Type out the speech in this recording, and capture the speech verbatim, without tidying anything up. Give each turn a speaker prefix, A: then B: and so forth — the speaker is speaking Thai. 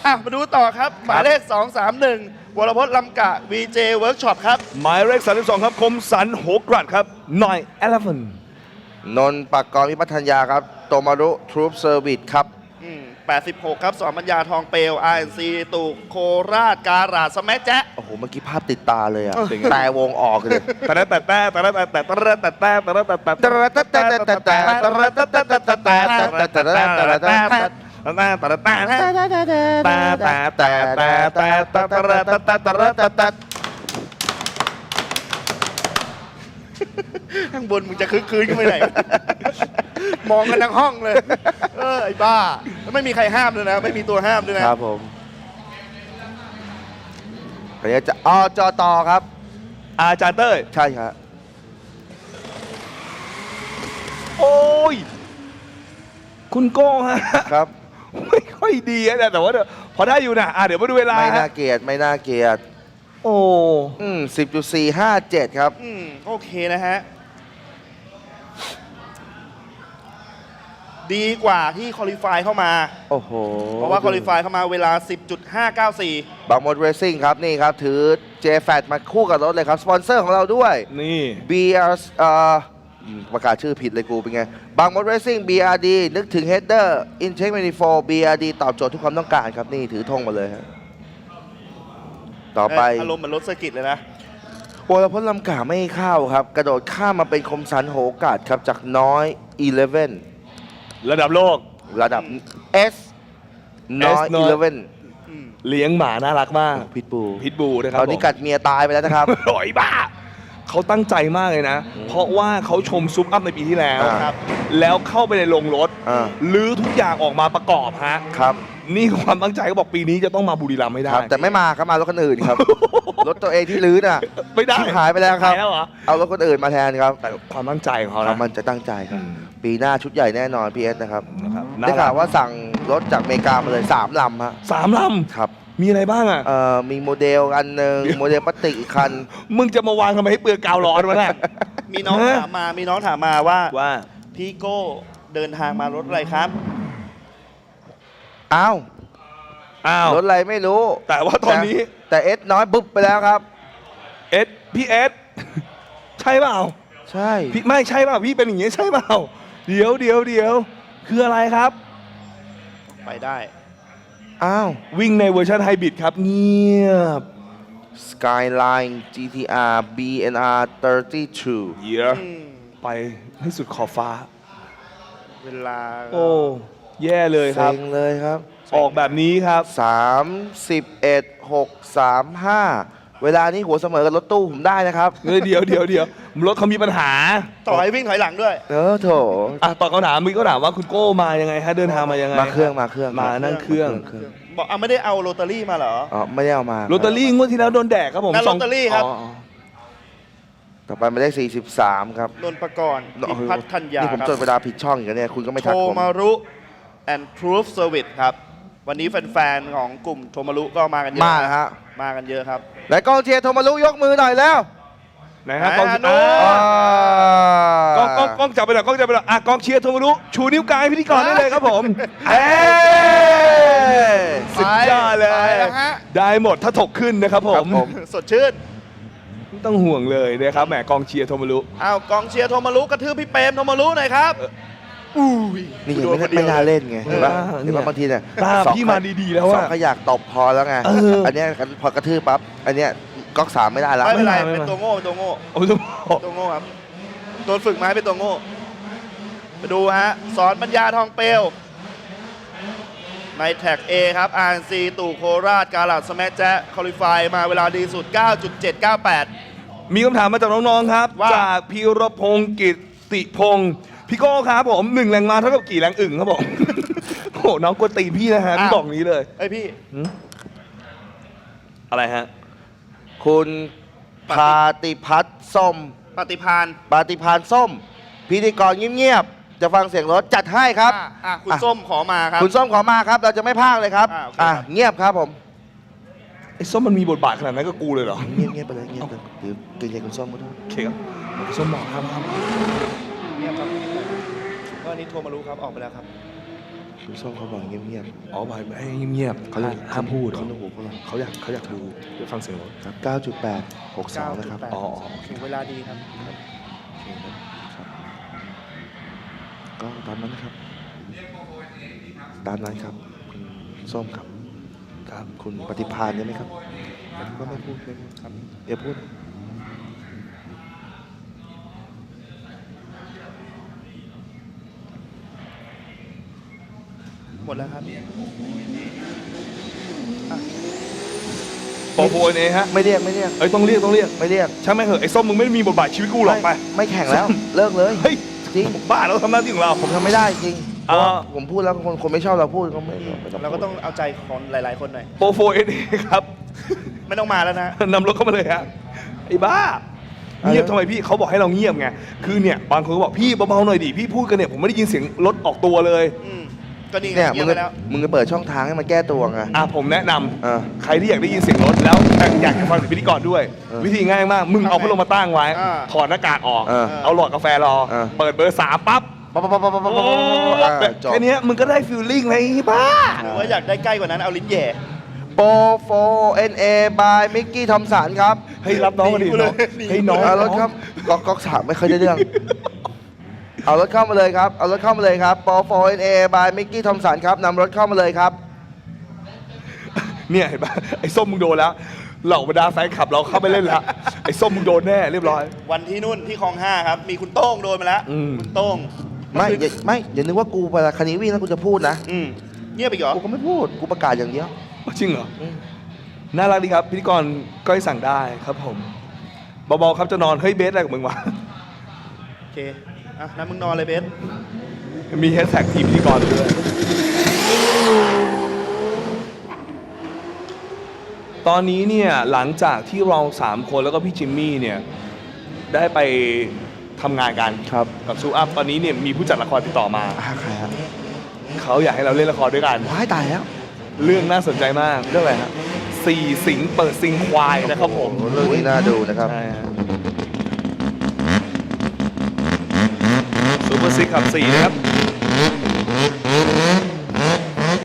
A: อ่ะมาดูต่อครับ หมายเลข สองสามหนึ่ง วรพจน์ลำกะ วี เจ Workshop ครับ
B: หมายเลขสามสิบสองครับคมสันโหกรัดครับหน่อย Elephant
C: นนท์ปากกรพิพัฒนยาครับโตมารุทรูปเซอร์วิสครับ
A: อืมแปดสิบหก ครับสอนปัญญาทองเปลว อาร์ เอ็น ซี ตุกโคราชการาดสแมัแจ๊ะ
C: โอ้โห เมื่อกี้ภาพติดตาเลยอ่ะ
B: เป็นไง
C: แต่วงออกเลย
B: แต่แต่แต่แต่แต่แต่แต่แต่แต่แต่แต่แต่
A: ข้างบนมึงจะคึกคืนขึ้นไปไหน มองกันทั้งห้องเลย เออ ไอ้บ้าแล้วไม่มีใครห้ามเลยนะ ไม่มีตัวห้ามด้วยนะ
C: ครับผมอันนี้จะอจตครับ
B: อาจารย์เต้ย
C: ใช่ครับ
B: โอ้ยคุณโก้ฮะ
C: ครับ
B: ไม่ค่อยดีนะแต่ว่าพอได้อยู่นะอ่ะเดี๋ยวมาดูเวลา
C: ไม่น่า
B: ฮะ
C: เกลียดไม่น่าเกลียด
B: โอ้
C: อืมสิบจุดสี่ห้าเจ็ดครับ
A: อืม โอเคนะฮะ ดีกว่าที่คอลิฟายเข้ามา
C: โอ้โห
A: เพราะว่าคอลิฟายเข้ามาเวลา สิบจุดห้าเก้าสี่
C: บางมดเรซิ่งครับ นี่ครับ ถือ เจ แฟต มาคู่กับรถเลยครับ สปอนเซอร์ของเราด้วย
B: นี่
C: บี อาร์ เอ่ออืมประกาศชื่อผิดเลยกูเป็นไง บางมดเรซิ่ง บี อาร์ ดี นึกถึง Header Intake แมนิโฟลด์ บี อาร์ ดี ตอบโจทย์ทุกความต้องการครับ นี่ถือธงมาเลยครับต่อไป
A: อารมณ์เหมือนรถเซอร์กิตเลยนะ
C: วรพจน์ลำกาไม่เข้าครับ กระโดดข้ามมาเป็นคมสันโหกาดครับ จากน้อยสิบเอ็ด
B: ระดับโลก
C: ระดับ S น้อย
B: S น้อย
C: สิบเอ็ด
A: อืม
B: เลี้ยงหมาน่ารักมาก
C: พิทบู
B: พิทบูนะครับ
C: ตอนนี้
B: ผม
C: กัดเมียตายไปแล้วนะครับ
B: โอยบ้า เขาตั้งใจมากเลยนะ เพราะว่าเขาชมซุปอัพในปีที่แล้ว
C: อ่า
A: ครับ
B: แล้วเข้าไปในโรงรถ
C: อ่า
B: ลื้อทุกอย่างออกมาประกอบฮะ
C: ครับ
B: นี่คือความตั้งใจเขาบอกปีนี้จะต้องมาบุรีรัมย์ให้ได้
C: ครับ แต่ไม่มาครับมารถคนอื่นครับ รถตัวเองที่ลื้อน่ะ
B: ไม่ได้
C: ชิบหายไปแล้วครับ
B: หายแล้วเหรอ
C: เอารถคนอื่นมาแทนครับ
B: แต่ความตั้งใจของเขา
C: เขา
B: นะ
C: มันจะตั้งใจครับ
B: อืม
C: ปีหน้าชุดใหญ่แน่นอนพีเอสนะครับ
B: นะครับ
C: ได้ข่าวว่าสั่งรถจากอเมริกามาเลยสามลำฮะ
B: สามล
C: ครับ
B: ำมีอะไรบ้างอ่ะ
C: เอ่อมีโมเดลอันหนึ่งโมเดลพลาสติกอีกคัน
B: มึงจะมาวางทำไมให้เปลือกกาวร้อนวะเนี่ย
A: มีน้อง
B: ฮะ
A: ถามมา มีน้องถามมาว่า
B: ว่า
A: พี่โก้เดินทางมารถอะไรครับ
C: อ้าว
B: อ้าว
C: รถอะไรไม่รู้
B: แต่ว่าตอนนี้
C: แต่เอสน้อยบุ๊บไปแล้วครับ
B: เอสพี่เอส ใช่เปล่า
C: ใช่
B: พี่ไม่ใช่เปล่าพี่เป็นอย่างงี้ใช่เปล่า เดี๋ยวเดี๋ยวเดี๋ยวคืออะไรครับ
A: ไปได้
C: อ้าว
B: วิ่งในเวอร์ชันไฮบริดครับ เงียบ
C: Skyline จี ที อาร์ บี เอ็น อาร์ สามสิบสอง
B: เยีย
A: อืม
B: ไปให้สุดขอบฟ้า
A: เวลา
B: โอ้ แย่เลยครับ
C: เซ็งเลยครับ
B: ออกแบบนี้ครับ
C: สามสิบเอ็ด หก สาม ห้า เวลานี้หัวเสมอกับรถตู้ผมได้นะครับ
B: เออเดี๋ยวเดี๋ยวเดี๋ยวรถเขามีปัญหา
A: ต่อให้วิ่งถอยหลังด้วย
C: เออโถ
B: อ่ะตอบคำถามมีก็ถามว่าคุณโก้มายังไงฮะเดินทางมายังไง
C: มาเครื่องมาเครื่อง
B: มานั่งเครื่อง
C: เครื่อง
A: บอกเอาไม่ได้เอาโรตารี่มาเหรอ
C: อ๋อไม่ได้เอามา
B: ลอตเตอรี่งวดที่แล้วโดนแดกครับผม
A: นั่น
B: สง
A: ลอตเตอรี่ครับ
B: อ๋ออ๋อ
C: ต่อไปไม่ได้สี่สิบสามครับ
A: นนท์ประกรณ์พิพัฒน์ธัญญา
C: นี่ผม
A: ครับ
C: จดเวลาผิดช่องอย่างเนี้ยคุณก็ไม่
A: โท
C: ทักผม
A: มารุ and Proof Service ครับ วันนี้แฟนๆ ของกลุ่มโทมารุก็มากันเยอะ
C: มาแล้วฮะ
A: มากันเยอะครับ
C: ไหนกองเชียร์โทรมารุยกมือหน่อยแล้ว
B: ไหนฮะกอง
A: อ่า
B: อ่า
C: อ่าก
B: องกองกองจับไปหน่อยกองจับไปหน่อยอ่ะกองเชียร์โทมารุชูนิ้วกลางให้พิธีกรได้เลยครับผมเอ้ยสุดยอดเลย
A: ไปแล้วฮะ
B: ได้หมดถ้าถกขึ้นนะครับผ
C: ครั
B: ม
C: บผม
A: สดชื่น
B: ไม่ต้องห่วงเลยนะครับแหมกองเชียร์โทมารุ
A: อ้าวกองเชียร์โทมารุกระทืบพี่เปรมโทมารุหน่อยครับอุ้ย
C: นี่ยัง
A: โด
C: ไม่
A: ค
C: ได้
A: ดียว
C: ไม่น่าเล่นไงเห็นปะ
B: เออ
C: เห็นปะบางทีเนี่ย
B: ตา
C: สอง
B: พี่มาดีๆแล้ว
C: สอ
B: อะ
C: งก็อยากตบพอแล้วไง
B: เอออั
C: อันเนี้ยพอกระทืบปั๊บอันเนี้ยก๊อกสามไม่ได้แล้ว
A: ไม่เป็นไร
B: ไม่มา
A: เป็นตัวโง่เป็นตัวโง่
B: โอ้ยต้องบอก
A: ตัวโง่ครับตัวฝึกมาให้เป็นตัวโง่ไปดูฮะสอนปัญญาทองเปลวในแท็ก A ครับ อาร์ เอ็น ซี ตู่โคราชกาลาดสแมัแจ๊คอลิฟายมาเวลาดีสุด เก้าจุดเจ็ดเก้าแปด
B: มีคำถามมาจากน้องๆครับ
A: ว่า
B: จากพีรพงศ์กิตติพงศ์พี่โก้ครับผมหนึ่งแรงมาเท่ากับกี่แรงอึ่งครับผม โอ้โหน้องกวนตีนพี่นะฮะพี่บอกนี้เลย
A: เอ้ยพี่
B: อะไรฮะ
C: คุณพาติพัฒน์ส้ม
A: ปฏิพาน
C: ปาติพานส้ม พิธีกรเงียบๆจะฟังเสียงรถจัดให้ครับ
A: อ่ะอ่ะคุณ
C: อ่ะ
A: ส้มขอมาครับ
C: คุณส้มขอมาครับ เราจะไม่พากเลยครับ
A: อ่ะโอเค
C: อ่ะ
A: ครับ
C: เงียบครับผม
B: ไอ้ส้มมันมีบทบาทขนาดนั้นก็กูเลยเหรอ
C: เงียบเงียบไปเลยเงียบไปเดี๋ยวเกรงใจคุณส้มก็ได้
B: โอเคครับส้มบอกครับครับ
A: เงียบครับก็อันนี้โทรมารู้ครับ ออกไปแล้วครับ
C: คุณส้มเขาบอกเงียบ
B: อ๋อไปให้เงียบ
C: ๆ
B: ๆ
C: เขา
B: ห้ามห้ามพูดเหรอ
C: เขาต้องหูพวกเรา
B: เขาอยากเขาอยากดูเดี๋ยวฟังเสียงรถ
C: ครับเก้าจุดแปดหกสองนะครับ
A: เก้าจุดแปด
B: อ๋ออ๋อ
A: ถึงเวลาดีครับ
C: โอเคครับครับก็ตามนั้นนะครับ ตามนั้นครับ คุณส้มครับ
B: ครับ
C: คุณปฏิภาณใช่ไหมครับผมก็ไม่พูดไม่พูดครับอย่าพูด
A: หมดแล้วครับ
B: โปรโพเอฮะ
C: ไม่เรียกไม่เรียก
B: เอ้ยต้องเรียกต้องเรียก
C: ไม่เรียก
B: ใช่ไหมเหอะไอ้ส้มมึงไม่มีบทบาทชีวิตกูหรอกไป
C: ไม่ไม่แข่งแล้ว เลิกเลย
B: เฮ้ย
C: จริง
B: บ้าเราทำหน้าที่ของเรา
C: ผมทำไม่ได้จริงเพ
B: อ่า
C: ราะว่าผมพูดแล้วคนคนไม่ชอบเราพูดก็ไม่ไม่ต้อง
A: เราก็ต้องเอาใจคนหลาย ๆ คนหน่อย
B: โปรโฟเอเอครับ
A: ไม่ต้องมาแล้วนะ
B: นำรถเข้ามาเลยฮะไอ้บ้า เงียบทำไมพี่เขาบอกให้เราเงียบไงคือเนี่ยบางคนก็บอกพี่เบาๆหน่อยดิพี่พูดกันเนี่ยผมไม่ได้ยินเสียงรถออกตัวเลย
A: อืมก็นี่ไง
C: เนี่ย
A: เงี
C: มึ
A: ยบ
C: ง
A: ไป
C: ก็
A: แล้ว
C: มึงก็เปิดช่องทางให้มันแก้ตัวไง
B: อ่ะผมแนะนำ
C: เออ
B: ใครที่อยากได้ยินเสียงรถแล้วอยากจะฟังเสียงพิธีกรด้วย
C: เออ
B: วิธีง่ายมาก มึงเอาพัดลมมาตั้งไว้
A: อ่า
B: ถอดหน้ากากออก
C: เออ
B: เอาหลอดกาแฟรอ
C: เออ
B: เปิดเบอร์สามปั๊บ
C: ปั๊บปั๊บปั๊บปั๊บปั๊บปั๊บอ่าจบ
B: แค่เนี้ยมึงก็ได้ฟิลลิ่งเลยไอ้บ้า
A: หรือว่าอยากได้ใกล้กว่านั้นเอาลิ้นแหย่
C: โปรโฟเอ็นเอบายมิกกี้ทอมสันครับ
B: เฮ้ยรับน้องมาดิ
A: หนีกูเลย
B: น้อง
A: หนี
B: เฮ้ยน้อง
C: เอารถครับก๊อกก๊อกสามไม่เคยได้เรื่อง เอารถเข้ามาเลยครับ เอารถเข้ามาเลยครับโปรโฟเอ็นเอบายมิกกี้ทอมสันครับนำรถเข้ามาเลยครับ
B: เนี่ยเห็นปะไอ้ส้มมึงโดนแล้วเหล่าบรรดาแฟนคลับเราเข้าไปเล่นแล้วไอ้ส้มมึงโดนแน่เรียบร้อย
A: วันที่นู่นที่คลองห้าครับ มีคุณโต้งโดนมาแล้ว
B: อืม
A: คุณโต้ง
C: ไม่อย่าไม่อย่านึกว่ากูเวลาคันนี้วิ่งแล้วกูจะพูดนะ
A: อืมเงียบไปเหรอ
C: กูก็ไม่พูด กูประกาศอย่างเดียว
B: จริงเหรอ
C: อืม
B: น่ารักดีครับ พิธีกรก้อยสั่งได้ครับผมเบาๆครับจะนอน เฮ้ยเบสอะไรกับมึงวะ
A: โอเค อ่ะนั้นมึงนอนเลยเบส
B: มีแฮชแท็กทีมพิธีกรด้วย ตอนนี้เนี่ย หลังจากที่เราสามคนแล้วก็พี่จิมมี่เนี่ย ได้ไปทำงานกัน
C: ครับ
B: กับซูอัพตอนนี้เนี่ยมีผู้จัดละครติดต่อมา
C: อ่าใครครับ
B: เขาอยากให้เราเล่นละครด้วยกัน
C: ว้ายตายแล้ว
B: เรื่องน่าสนใจมาก
C: เรื่องอะไรครับ
B: สี่สิงเปิดซิงควายนะครับผม
C: โอ้โหเรื่องนี้น่าดูนะครับ
B: ใช่ฮะซูเปอร์ซิกขับสี่นะครับ